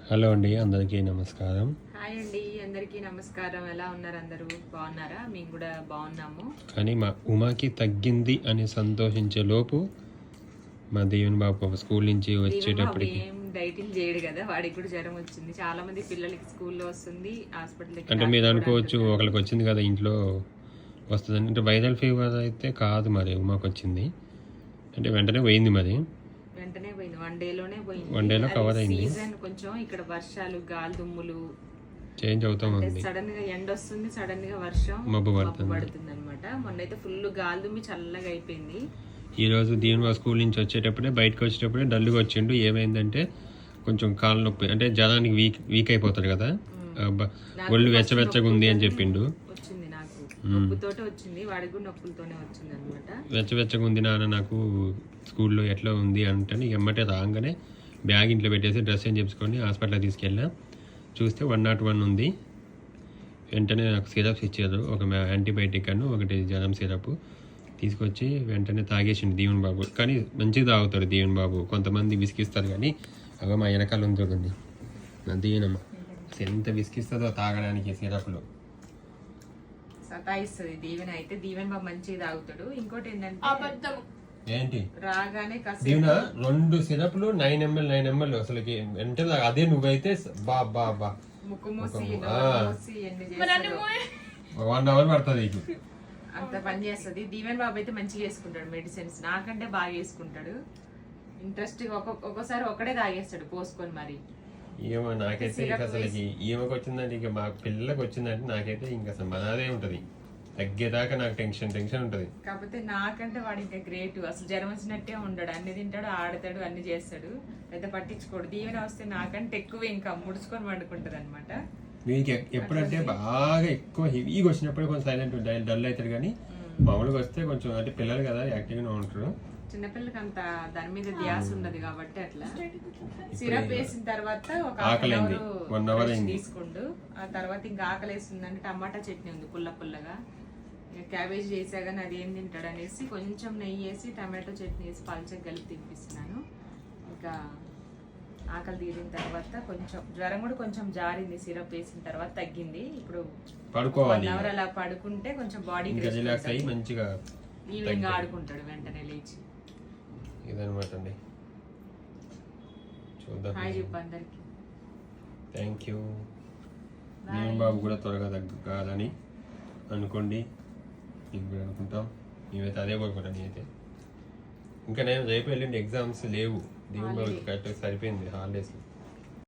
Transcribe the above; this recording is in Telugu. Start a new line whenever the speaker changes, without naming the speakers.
హలో అండి, అందరికీ నమస్కారం.
హాయ్ అండి, అందరికీ నమస్కారం. ఎలా ఉన్నారు? అందరూ బాగున్నారా? మేము కూడా బాగున్నాము.
కానీ మా ఉమాకి తగ్గింది అని సంతోషించే లోపు మా దేవుని బాబు స్కూల్ నుంచి వచ్చేటప్పటికి
ఏం డైటింగ్ చేయడు కదా, వాడికి కూడా జ్వరం వచ్చింది. చాలా మంది పిల్లలకి స్కూల్లో వస్తుంది, హాస్పిటల్.
అంటే మీరు అనుకోవచ్చు ఒకరికి వచ్చింది కదా ఇంట్లో వస్తుంది అంటే వైరల్ ఫీవర్ అయితే కాదు, మరి ఉమాకి వచ్చింది అంటే వెంటనే పోయింది, మరి
వెంటనే పోయింది. వన్ డేలోనే పోయింది.
వన్ డేలో కవర్ అయింది.
సీజన్ కొంచెం ఇక్కడ వర్షాలు, గాలి దుమ్ములు
చేంజ్ అవుతా ఉంది.
సడన్ గా ఎండ వస్తుంది, సడన్ గా వర్షం
మబ్బు
పడుతుంది అనమాట. మొన్నైతే ఫుల్ గాలి దుమ్మి చల్లగా అయిపోయింది.
ఈ రోజు దీని బాబు స్కూల్ నుంచి వచ్చేటప్పుడే బయటకు వచ్చేటప్పుడే డల్లుగా వచ్చిండు. ఏమైందంటే కొంచెం కాళ్ళ నొప్పి, అంటే జ్వరానికి వీక్ అయిపోతాడు కదా, ఒళ్ళు వెచ్చవెచ్చగా ఉంది అని చెప్పిండు.
వచ్చింది నాకు నొప్పుతోటే వచ్చింది, వాడికి కూడా నొప్పులతోనే వచ్చింది అనమాట.
వెచ్చవెచ్చగా ఉంది నాన్న నాకు స్కూల్లో ఎట్లా ఉంది అంటే ఎమ్మటే రాగానే బ్యాగ్ ఇంట్లో పెట్టేసి డ్రెస్ ఏం చెప్పుకొని హాస్పిటల్కి తీసుకెళ్ళా. చూస్తే 101 ఉంది. వెంటనే నాకు సిరప్స్ ఇచ్చారు, ఒక యాంటీబయాటిక్ అను ఒకటి జ్వరం సిరప్ తీసుకొచ్చి వెంటనే తాగేసిండు దీవెన్ బాబు. కానీ మంచిగా తాగుతాడు దీవెన్ బాబు, కొంతమంది విసిగిస్తారు కానీ అవి మా వెనకాల ఉంది చూడండి నా దీవెనమ్మ, ఎంత విసిగిస్తుందో తాగడానికి సిరప్లు.
సతాయిస్తుంది దీవెన అయితే. దీవెన్ బాబు మంచిగా తాగుతాడు. ఇంకోటి ఏంటంటే
ఏంటి
రాగానే
దీవెన 2 సిరప్లు 9 ml అసలుకి అంటే అదే నువ్వైతే బా
ముక్కు మూసి
1 hour పడుతుంది
అంత పని చేస్తుంది. దీవెన్ బాబు అయితే మంచిగా వేసుకుంటాడు మెడిసిన్స్, నాకంటే బాగా వేసుకుంటాడు. ఇంట్రెస్ట్ ఒక్కోసారి ఒకడే తాగేస్తాడు పోసుకొని. మరి
ఏమో నాకైతే అసలుకి ఈమెకు వచ్చిందంటే ఇక మా పిల్లలకు వచ్చిందంటే నాకైతే ఇంకా అసలు మనదే ఉంటది, తగ్గేదాకా నాకు టెన్షన్ ఉంటది.
కాకపోతే నాకంటే వాడు ఇంకా గ్రేట్. అసలు జ్వరం వచ్చినట్టే ఉండడు, అన్ని తింటాడు, ఆడతాడు, అన్ని చేస్తాడు, పెద్ద పట్టించుకోడు. దీవెన వస్తే నాకంటే ఎక్కువ ఇంకా ముడుచుకొని వండుకుంటది అనమాట.
వీనికి ఎప్పుడంటే బాగా ఎక్కువ హెవీగా వచ్చినప్పుడు కొంచెం సైలెంట్ డల్ అవుతాడు, కానీ మామూలుగా వస్తే కొంచెం అంటే పిల్లలు కదా యాక్టివ్గా ఉంటారు.
చిన్నపిల్లలకి అంత దాని మీద ధ్యాస ఉండదు కాబట్టి అట్లా. సిరప్ వేసిన తర్వాత ఒక
ఆకలింది 1 hour
తీసుకుండు. ఆ తర్వాత ఇంకా ఆకలి వేస్తుందంటే టమాటా చట్నీ ఉంది పుల్లగా, క్యాబేజ్ చేసా కానీ అది ఏం తింటాడు అనేసి కొంచెం నెయ్యి వేసి టమాటో చట్నీ వేసి పల్చగా కలిపి తినిపిస్తున్నాను. ఇంకా ఆకలి తీరిన తర్వాత కొంచెం జ్వరం కూడా కొంచెం జారింది, సిరప్ వేసిన తర్వాత తగ్గింది. ఇప్పుడు
పడుకోవాలి,
1 hour అలా పడుకుంటే కొంచెం బాడీ
రిలాక్స్ అయ్యి మంచిగా
ఈవినింగ్ ఆడుకుంటాడు వెంటనే లేచి.
ఇదనమాట అండి, చూద్దాం.
హాయ్ చెప్పు అందరికి.
Thank you. నేను బాబు కూడా త్వరగా తగ్గాలని అనుకోండి, మీకు కూడా అనుకుంటాం. మేమైతే అదే కోరుకుంటాం. నేనైతే ఇంకా నేను రేపు వెళ్ళిండి ఎగ్జామ్స్ లేవు, దేవుని బాబు కరెక్ట్గా సరిపోయింది హాలిడేస్.